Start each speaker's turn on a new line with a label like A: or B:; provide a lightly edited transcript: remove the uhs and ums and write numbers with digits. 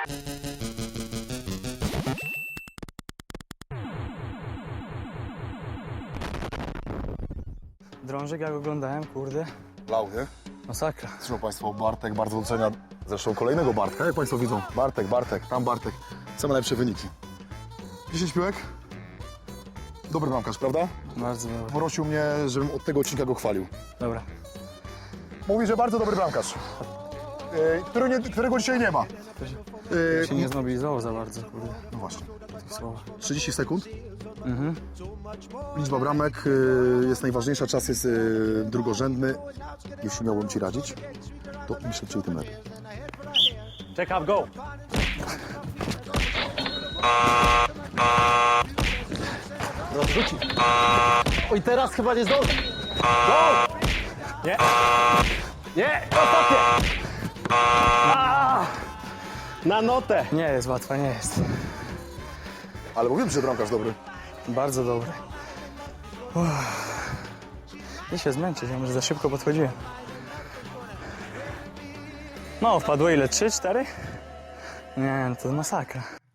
A: Drążek jak oglądałem, kurde,
B: Lał, nie?
A: masakra.
B: Zresztą Państwo, Bartek bardzo docenia. Zresztą kolejnego Bartka, jak Państwo widzą. Bartek, tam Bartek. Same najlepsze wyniki. 10 piłek. Dobry bramkarz, prawda?
A: Bardzo dobry.
B: Prosił mnie, żebym od tego odcinka go chwalił.
A: Dobra.
B: Mówi, że bardzo dobry bramkarz. Którego dzisiaj nie ma.
A: Się nie zmobilizował za bardzo, kurde,
B: No właśnie.
A: tych słowa.
B: 30 sekund. Liczba bramek jest najważniejsza, czas jest drugorzędny. Jeśli miałbym Ci radzić, to im szybciej, tym lepiej.
A: Check up, go!
C: Rozrzuci. Oj, teraz chyba nie zdąży.
A: Nie! Nie! Ostatnie!
C: Na notę.
A: Nie jest łatwa, nie jest.
B: Ale mówiłem, że bramkarz dobry.
A: Bardzo dobry. Nie się zmęczyć, ja może za szybko podchodziłem. No, wpadło ile? 3, 4? Nie, to masakra.